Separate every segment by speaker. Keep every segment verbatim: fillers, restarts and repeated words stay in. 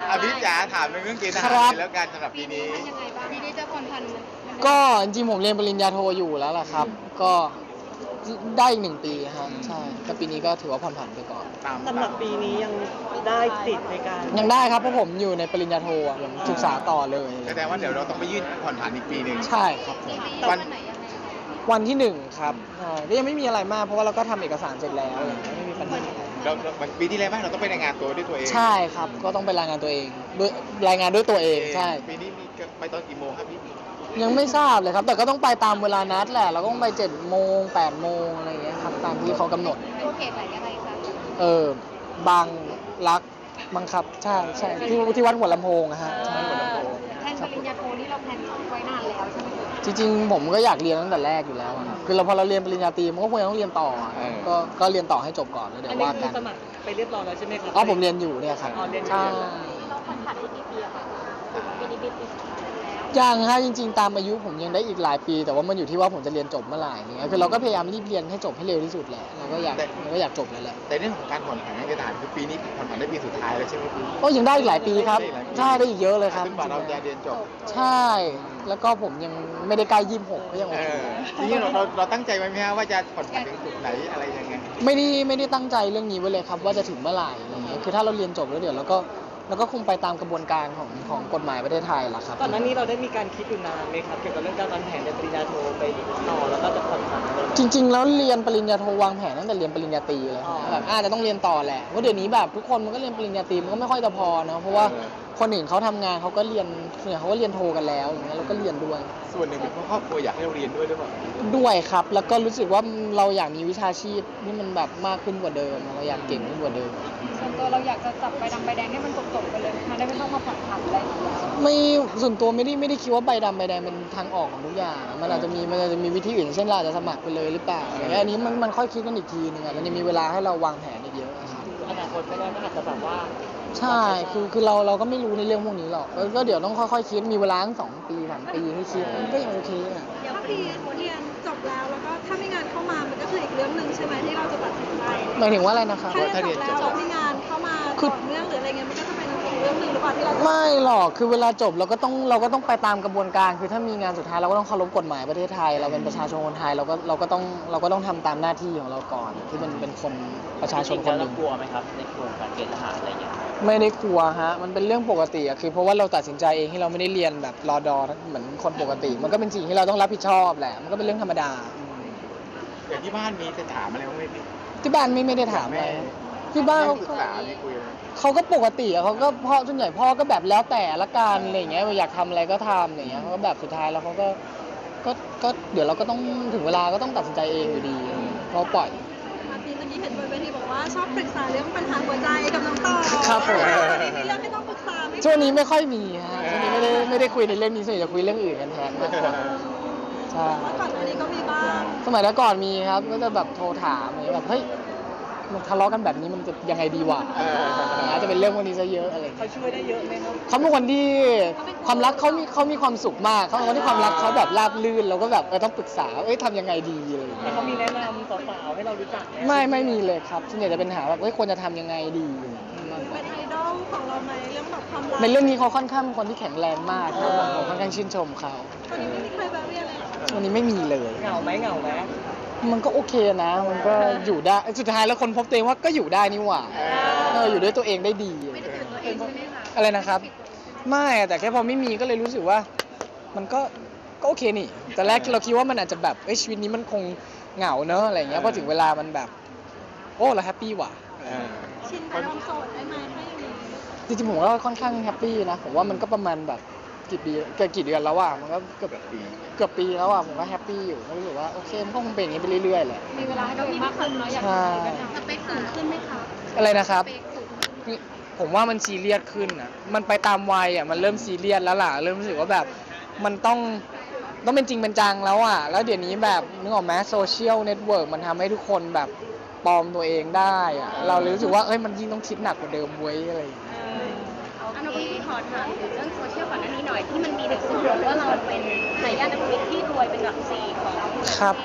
Speaker 1: อภิจ๋าถามเรื่องเกณฑ์ทหารแล้วการสำหรับปีนี้
Speaker 2: ยังไงบ้างปีนี้จะผ่อนผัน
Speaker 3: ก็จริงๆผมเรียนปริญญาโทอยู่แล้วล่ะครับก็ได้อีกหนึ่งปีฮะใช่แต่ปีนี้ก็ถือว่าผ่อนผันไปก่อน
Speaker 4: สำหรับปีนี้ยังได้ติดในการ
Speaker 3: ยังได้ครับเพราะผมอยู่ในปริญญาโทอ่ะผมศึกษาต่อเลย
Speaker 1: แสดงว่าเดี๋ยวเราต้องไปยื่นผ่อนผันอีกปีหนึ่ง
Speaker 3: ใช่ครับ
Speaker 1: วัน
Speaker 3: วันที่หนึ่งครับก็ยังไม่มีอะไรมากเพราะว่าเราก็ทำเอกสารเสร็จแล้วไม่มีปัญหา
Speaker 1: เราปีที่แล้วไหมเราต้องไปรายงานตัวด้วยตัวเอง
Speaker 3: ใช่ครับก็ต้องไปรายงานตัวเองด้วยรายงานด้วยตัวเองใช่
Speaker 1: ปีนี้มีไปตอนกี่โมงครับพี่
Speaker 3: ยังไม่ทราบเลยครับแต่ก็ต้องไปตามเวลานัดแหละเราก็ต้องไปเจ็ดโมงแปดโมงอะไรอย่างเงี้ยครับตามที่เขากำหนด
Speaker 2: เป็นเขตไหนยังไงคะ
Speaker 3: เออบางรักบังคับใช่ใช่ที่ที่วัดหัวลำโพงอะฮะใช่หัวลำโพง
Speaker 2: แทนปริญญาโทนี่เราแพลนไว้นานแล้วใช่ไหม
Speaker 3: จริงๆผมก็อยากเรียนตั้งแต่แรกอยู่แล้วคือเราพอเราเรียนปริญญาตรีมันก็ควรต้องเรียนต่อก็ก็เรียนต่อให้จบก่อนแล้วเดี๋ยวว่ากัน
Speaker 4: สมัครไปเรียบร้อยแล้วใช่ไหมครับ
Speaker 3: อ๋อผมเรียนอยู่เนี่ยครับใช่
Speaker 2: เราผ่อนผันได้กี่ปีอะคะปีนี้ปีที่
Speaker 3: ยังฮะจริงๆตามอายุผมยังได้อีกหลายปีแต่ว่ามันอยู่ที่ว่าผมจะเรียนจบเมื่อไหร่เนี่ยคือเราก็พยายามรีบเรียนให้จบให้เร็วที่สุดแหละเราก็อยากเราก็อยากจบแล้วแหละ
Speaker 1: แต่เรื่องของการผ่อนผันการทหารคือปีนี้ผ่อนผันได้ปีสุดท้ายแล้วใช่ไหมพี่
Speaker 3: ก็ยังได้อีกหลายปีครับใช่ได้อีกเยอะเลยครับ
Speaker 1: จนกว่าเราจะเรียนจบ
Speaker 3: ใช่แล้วก็ผมยังไม่ได้ใกล้ยี่สิบหกก็ยังโอเค
Speaker 1: ทีนี้เราเราตั้งใจไว้ไหมฮะว่าจะผ่อนผันถึงจุดไหนอะไรยังไง
Speaker 3: ไม่ได้ไม่ได้ตั้งใจเรื่องนี้ไว้เลยครับว่าจะถึงเมื่อไหร่อะไรเงี้ยคือถ้าเราเรียนจบแล้วเดี๋ยวเราก็แล้วก็คงไปตามกระบวนการของของกฎหมายประเทศไทยแหละครับ
Speaker 4: ก่อนหน้านี้เราได้มีการคิดอยู่นานไหมครับเกี่ยวกับเรื่องการวางแผนในปริญญาโทไปต่อแล้วก็จะผ่อนผัน
Speaker 3: จริงๆแล้วเรียนปริญญาโทวางแผนตั้งแต่เรียนปริญญาตรีเลยแบบอาจจะต้องเรียนต่อแหละเพราะเดี๋ยวนี้แบบทุกคนมันก็เรียนปริญญาตรีมันก็ไม่ค่อยจะพอนะเพราะว่าคนอื่นเขาทำงานเขาก็เรียนเนี่ยเขาก็เรียนโทกันแล้วอย่างเงี้ยเราก็เรียนด้วย
Speaker 1: ส่วนหนึ่งเป็นเพราะครอบครัวอยากให้เราเรียนด้วยหรือเปล่า
Speaker 3: ด้วยครับแล้วก็รู้สึกว่าเราอยากมีวิชาชีพที่มันแบบมากขึ้นกว่าเดิมเราอยากเก่งขึ้นกว่าเดิม
Speaker 2: ส่วนตัวเราอยากจะจับใบดำใบแดงให้มันจบๆไปเลยมันได้ไม่ต้องมาผ่อนผันอะไร
Speaker 3: ไม่ส่วนตัวไม่ได้ไม่ได้คิดว่าใบดำใบแดงเป็นทางออกของทุกอย่างมันอาจจะมีมันอาจจะมีวิธีอื่นเช่นเราอาจจะสมัครไปเลยหรือเปล่าอะไรเงี้ยอันนี้มันมันค่อยคิดกันอีกทีนึงอ่ะมันยังมีเวลาให้เราวางแผนอีกเยอะครับ
Speaker 4: อนาคตไม่แน่มันอาจจะแบบว่า
Speaker 3: ใช่คือคือเราเราก็ไม่รู้ในเรื่องพวกนี้หรอกก็เดี๋ยวต้องค่อยๆคิดมีเวลาตั้งสองปีสามปีให้คิดก็ยังโอเคอ่ะ
Speaker 2: ถ้าพี่เรียนจบแล้วแล้วก็ถ้ามีงานเข้ามามันก็คืออีกเรื่องนึงใช่ไหมที่เราจะตัดสินใจ
Speaker 3: หมายถึงว่าอะไรนะครับ
Speaker 2: ถ้าเรียนจบแล้วมีงานเข้ามาต่อเนื่องหรืออะไรเงี้ยมันก็จะเป็นอีกเรื่องนึงหรือเปล่าที่เรา
Speaker 3: ไม่หรอกคือเวลาจบเราก็ต้องเราก็ต้องไปตามกระบวนการคือถ้ามีงานสุดท้ายเราก็ต้องเคารพกฎหมายประเทศไทยเราเป็นประชาชนคนไทยเราก็เราก็ต้องเราก็ต้องทำตามหน้าที่ของเราก่อนที่มันเป็นคนประชาชนคนหนึ่ง
Speaker 4: กลัวไหมครับในกลุ่มการเกณฑ์ทหารอะไรอย่างเงี้ย
Speaker 3: ไม่ได้กลัวฮะมันเป็นเรื่องปกติอะคือเพราะว่าเราตัดสินใจเองที่เราไม่ได้เรียนแบบรอดอเหมือนคนปกติมันก็เป็นสิ่งที่เราต้องรับผิดชอบแหละมันก็เป็นเรื่องธรรมดา
Speaker 1: อย่างที่บ้านมีจะถามอะไรบ้างไหมพี่
Speaker 3: ที่บ้านไม่ไม่ได้ถามอะไรที่บ้านเขา
Speaker 1: ศึกษามีคุย
Speaker 3: เขาก็ปกติอะเขาก็พ่อส่วนใหญ่พ่อก็แบบแล้วแต่ละกันอะไรอย่างเงี้ยอยากทำอะไรก็ทำอย่างเงี้ยเขาก็แบบสุดท้ายแล้วเขาก็ก็ก็เดี๋ยวเราก็ต้องถึงเวลาก็ต้องตัดสินใจเองอยู่ดีเขาปล่อย
Speaker 2: มาทีเมื่อกี้เห็นบนเวทีบอกว่าชอบปรึกษาเรื่องปัญหาหัวใจกับน้องต่อ
Speaker 3: ครับผม
Speaker 2: มีเรื่องให้ต้องปรึกษาไหม
Speaker 3: ช่วงนี้ไม่ค่อยมีฮะช่วงนี้ไม่ได้ไม่ได้คุยในเรื่องนี้ส่วนใหญ่จะคุยเรื่องอื่นกันแทนมากกว่าใช่
Speaker 2: เมื่อก่อนอันนี้ก็มีบ้าง
Speaker 3: สมัยก่อนมีครับก็จะแบบโทรถามอย่างเงี้ยแบบเฮ้ยมันทะเลาะกันแบบนี้มันจะยังไงดีวะอาจจะเป็นเรื่องพวกนี้ซะเยอะอะไร
Speaker 4: เขาช่วยได้เยอะไหมครับ
Speaker 3: เขาเป็นคนที่ความรักเขามีเขามีความสุขมากเขาเป็นคนที่ความรักเขาแบบราบรื่นเราก็แบบเออต้องปรึกษาเอ้ยทำยังไงดีอะไรอย่างเงี้
Speaker 4: ยเขามีแนะนำสาวๆให้เรารู้จัก
Speaker 3: ไม่ไม่มีเลยครับส่วนใหญ่จะเป็นหาแบบเอ้ยควรจะทำยังไงดี
Speaker 2: เป็นไอดอลของเราไหมเรื่องแบบความรัก
Speaker 3: ในเรื่องนี้เขาค่อนข้างเป็นคนที่แข็งแรงมากครับผมค่อนข้างชื่นชมเขา
Speaker 2: วันนี้ไม่มีใครแบบเรียนเลย
Speaker 3: วันนี้ไม่มีเลย
Speaker 4: เหงาไหมเหงาไหม
Speaker 3: มันก็โอเคนะมันก็อยู่ได้สุดท้ายแล้วคนพบตัวเองว่าก็อยู่ได้นี่หว่าเอออยู่ด้วยตัวเองได้ดี
Speaker 2: ไม่ได้เกิดตัวเองใช่ไหมคะ
Speaker 3: อะไรนะครับไม่แต่แค่พอไม่มีก็เลยรู้สึกว่ามันก็ก็โอเคนี่แต่แรกเราคิดว่ามันอาจจะแบบเอ้ยชีวิตนี้มันคงเหงาเนอะอะไรเงี้ยพอถึงเวลามันแบบโอ้เราแฮปปี้ว่ะ
Speaker 2: ชินกับความโสดได้ไหมถ้าอย่างนี้
Speaker 3: จริงๆผมก็ค่อนข้างแฮปปี้นะผมว่ามันก็ประมาณแบบกี่ปีเกิดกี่เดือนแล้วอ่ะมันก็เกือบปีเกือบปีแล้วอ่ะผมก็แฮปปี้อยู่รู้สึกว่าโอเคมันก็คงเป็นอย่างนี้ไปเรื่อยๆแหละ
Speaker 2: มีเวลาให้ตัวเองมากขึ้นเนาะอยากสเปคสูงขึ้นไหมคะ
Speaker 3: อะไรนะครับผมว่ามันซีเรียสขึ้นอ่ะมันไปตามวัยอ่ะมันเริ่มซีเรียสแล้วล่ะเริ่มรู้สึกว่าแบบมันต้องต้องเป็นจริงเป็นจังแล้วอ่ะแล้วเดี๋ยวนี้แบบนึกออกไหมโซเชียลเน็ตเวิร์กมันทำให้ทุกคนแบบปลอมตัวเองได้อ่ะเราเลยรู้สึกว่าเอ้ยมันยิ่งต้องคิดหนักกว่าเดิมเว้ยอะไรอย่างเงี้ย
Speaker 2: อันนี้ขอถามถึงเรื่องโซเชียลก่อนหน้านี้หน่อยที่มันมีหนังสือว่าเราเป็นทายาทนักธุรกิจที่รวยเป็นอันดับสี่ของประเทศอะไร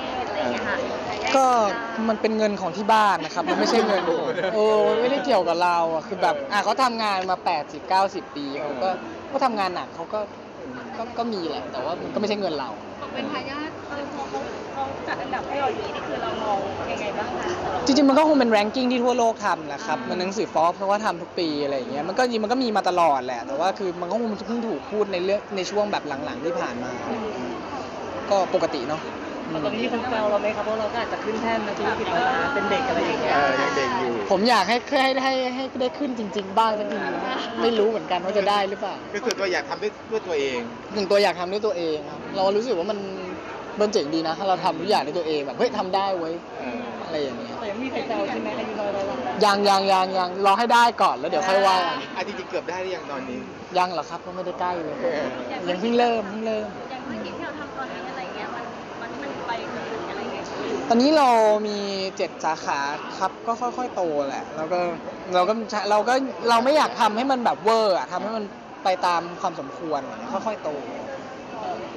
Speaker 5: อย่างเงี้ยค่ะ
Speaker 3: ก็มันเป็นเงินของที่บ้านนะครับมันไม่ใช่เงินผมเออมันไม่ได้เกี่ยวกับเราอ่ะคือแบบอ่ะเขาทำงานมาแปดสิบ เก้าสิบปีเขาก็ก็ทำงานหนักเขาก็ก็ก็มีแหละแต่ว่ามันก็ไม่ใช่เงินเรา
Speaker 5: เป็นทายาทเออพอเขาเขาจัดอันดับให้เราอย่างนี้นี่คือเรามองยังไงบ้างคะสำหรับ
Speaker 3: จริงๆมันก็คงเป็นแรงกิ้งที่ทั่วโลกทำแหละครับมันหนังสือฟอร์บเพราะว่าทำทุกปีอะไรอย่างเงี้ยมันก็จริงมันก็มีมาตลอดแหละแต่ว่าคือมันก็คงเพิ่งถูกพูดในเรื่องในช่วงแบบหลังๆที่ผ่านมา ก็ปกติเนาะ
Speaker 4: ตอนนี้มีคนแซวเราไหมครับเพราะเราก็อาจจะขึ้นแท่นนะธุรกิจร้อยล้านเป็นเด็กอะไรอย่างเงี้ย
Speaker 1: เออยังเด็กอยู่
Speaker 3: ผมอยากให้ให้ให้ให้ได้ขึ้นจริง ๆ บ้างสักทีไม่รู้เหมือนกันว่าจะได้หรือเปล่า
Speaker 1: ก็คือตัวอยากทำด้วยด้วยตัวเอง
Speaker 3: หนึ่งตัวอยากทำด้วยตัวเองครับเรารู้สึกว่ามันมันเจ๋งดีนะถ้าเราทำทุกอย่างด้วยตัวเองแบบเฮ้ยทำได้เว้ย
Speaker 1: เออ
Speaker 3: อะไรอย่างเงี้ย
Speaker 4: แต่ยังมีใครแซวใช่ไหมอายุน้อยร้อยล้าน
Speaker 3: ยังยังยังยังรอให้ได้ก่อนแล้วเดี๋ยวค่อยว่ากัน
Speaker 1: อ่ะจริงๆเกือบได้หรือยังตอนนี้
Speaker 3: ยังเหรอครับก็ไม่ได้ใกล้เลย
Speaker 1: เออ
Speaker 3: ยังเพิ่งเริ่มเพิ่งเริ่ม
Speaker 5: อย่างธุรกิจที่เราทำตอนนี้อะไรเงี้ยมันมันมันไปถึงอะไรเงี้ย
Speaker 3: ตอนนี้เรามีเจ็ดสาขาครับก็ค่อยๆโตแหละแล้วก็เราก็เราก็เราไม่อยากทำให้มันแบบเวอร์อะทำให้มันไปตามความสมควรค่อยๆโต